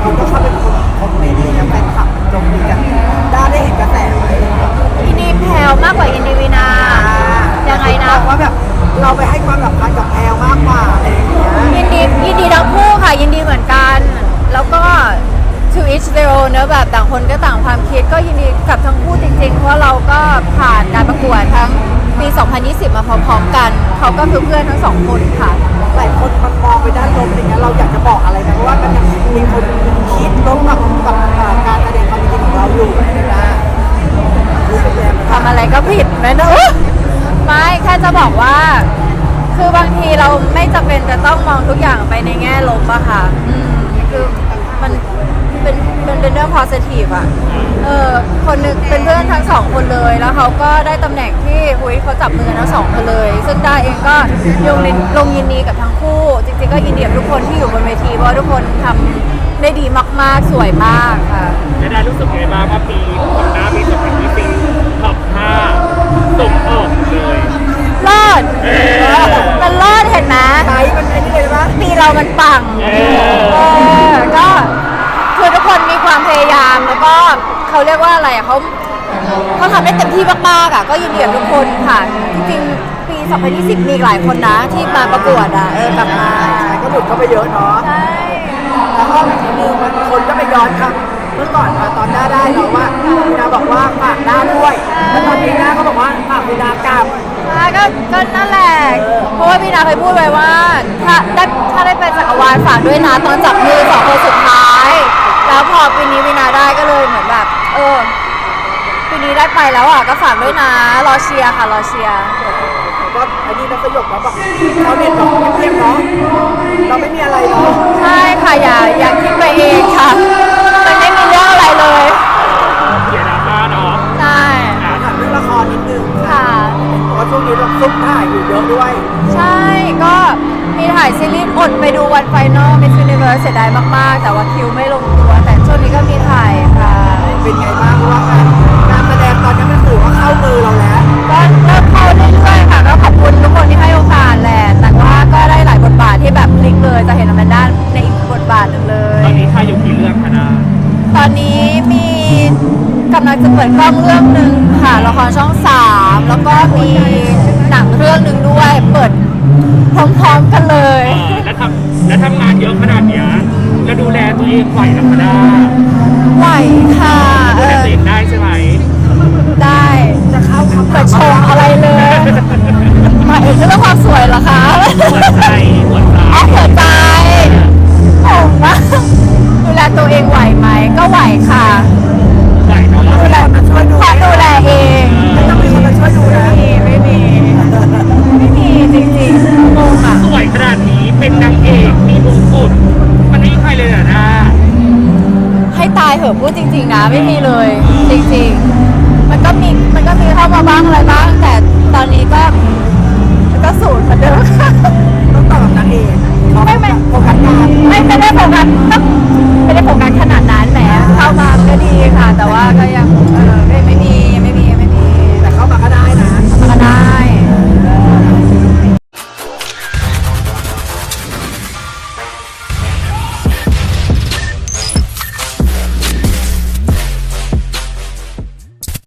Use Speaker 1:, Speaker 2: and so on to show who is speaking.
Speaker 1: คนก็เข้าไปคอมเมนต์อะไรเงี้ยแฟนคลับโจมตีกันได้เห็นกระแสไหม
Speaker 2: อินดีแพลวมากกว่าอินดีวีนายังไงนะ
Speaker 1: ว่าแบบเราไปให้ความสำคัญกับแพลวมากกว่าอะไรอย่างเงี้ย
Speaker 2: ยินดีทั้งคู่ค่ะยินดีเหมือนกัน แล้วก็ to each their own เนอะแบบต่างคนก็ต่างความคิดก็ยินดีกับทั้งคู่จริงๆ เพราะเราก็ผ่านการประกวดทั้งปี 2020 มาพร้อมๆกัน เขาก็คือเพื่อนทั้งสองคนค่ะ
Speaker 1: หลายคนมันมองไปด้านลบอะไรเงี้ยเราอยากจะบอกอะไรนะเพราะว่ามันยังมีคนคิดลบกับการแสดงความจริงของเราอยู่นะรู้สึกยังไง
Speaker 2: ทำอะไรก็ผิดไหมเนอะไม่แค่จะบอกว่า คือบางทีเราไม่จำเป็นจะต้องมองทุกอย่างไปในแง่ลบอะค่ะคือมันเป็นเรื่อง positive อะคนหนึงเป็นเพื่อนทั้งสองคนเลยแล้วเขาก็ได้ตำแหน่งที่เขาจับมือทั้งสองคนเลย ซึ่งด้าเองก็ลงยินดีกับทั้งคู่ จริงๆก็ยินดีกับทุกคนที่อยู่บนเวทีเพราะทุกคนทำได้ดีมากๆสวยมากค่ะ
Speaker 3: ได้รู้สึกไงบ้างว่าปีของหน้าปี2020ท็อป5ส่งออกเลย
Speaker 2: เลิศมันเลิศเห็นไหม
Speaker 1: ไทยมันไอ้นี่เลยปะ
Speaker 2: ปีเรามันปังก็คือทุกคนมีความพยายามแล้วก็เขาเรียกว่าอะไรอะเขาทำได้เต็มที่มากๆอะก็ยินดีกับทุกคนค่ะ จริงๆ ปี 2020 มีอีกหลายคนนะที่มาประกวดอะกลับมา
Speaker 1: ก็หลุดเข้าไปเยอะเนาะ
Speaker 2: ใช่
Speaker 1: แล้วก็อีกทีนึงมันคนก็ไปย้อนครับเมื่อก่อนตอนหน้าได้เนาะว่าพี่นาบอกว่าฝากหน้าด้วยแล้วตอนนี้หน้าก็บอกว่าฝากพี่นากลับ
Speaker 2: ก็นั่นแหละ เพราะว่าพี่นาเคยพูดไว้ว่า ถ้าได้เป็นจักรวาลฝากด้วยนะตอนจับมือสองคนสุดท้าย แล้วพอปีนี้พี่นาได้ก็เลยเหมือนแบบปีนี้ได้ไปแล้วอ่ะก็ฝากด้วยนะรอเชียร์ค่ะรอเชียร์
Speaker 1: ก็อันนี้นักสยบแล้วบอกเขาเน็ตบอกเงียบๆเนาะเราไม่มีอะไรเนาะ
Speaker 2: ใช่ค่ะอย่าคิดไปเองค่ะมันไม่มีเรื่องอะไรเลย
Speaker 3: อย่าดราม่าเนาะ
Speaker 2: ใช่
Speaker 1: ถามเรื่องละครนิดนึง
Speaker 2: ค่ะ
Speaker 1: เพราะช่วงนี้เราซุ่มถ่ายอยู่เยอะด้วย
Speaker 2: ใช่ก็มีถ่ายซีรีส์อดไปดูวันไฟนอลมิสยูนิเวิร์สเสียดายมากๆ แต่ว่าคิวไม่ลงตัว แต่ช่วงนี้ก็มีถ่ายค่ะ
Speaker 1: เป็นไงบ้างเพราะว่าการแสดงตอนนี้มันถือว่าเข้ามือเราแล้ว
Speaker 2: ก็เริ่มเข้าเรื่อยๆค่ะก็ขอบคุณทุกคนที่ให้โอกาสแหละแต่ว่าก็ได้หลายบทบาทที่แบบพลิกเลยจะเห็นอแมนด้าในอีกบทบาทหนึ่งเลย
Speaker 3: ตอนนี้ถ่ายอยู่กี่เรื่องคะนา
Speaker 2: ตอนนี้มีกำลังจะเปิดกล้องเรื่องหนึ่งค่ะละครช่อง 3 แล้วก็มีหนังเรื่องหนึ่งด้วยเปิดพร้อมๆกันเลย
Speaker 3: แล้วทำงานเยอะขนาดเนี้ยแล้วดูแลตัวเองไหวหรือไม่ได้
Speaker 2: ไหวค่ะ
Speaker 3: ดูแลตัวเองได้ใช่ไหม
Speaker 2: ได้
Speaker 1: จะเข้าคำ
Speaker 2: เปิดโชว์อะไรเลยหมายถึงเรื่องความสวยเหรอคะ
Speaker 3: หัวใจหัวใจ
Speaker 2: อ๋อหัวใจผมว่าดูแลตัวเองไหวไหมก็ไหวค่ะ
Speaker 3: ไหวเนาะ
Speaker 1: ดูแลมาช่วยดู
Speaker 2: ขอดูแลเอง
Speaker 1: ไม่ต้องมีคนมาช่วยดูนะ
Speaker 2: ไม่มีจริงๆงงอ่ะ
Speaker 3: สวยขนาดนี้เป็นนางเอกมีมงกุฎมันไม่มีใครเลยเหรอนะ
Speaker 2: ให้ตายเหอะพูดจริงๆนะไม่มีเลยจริงๆมันก็มีเข้ามาบ้างอะไรบ้างแต่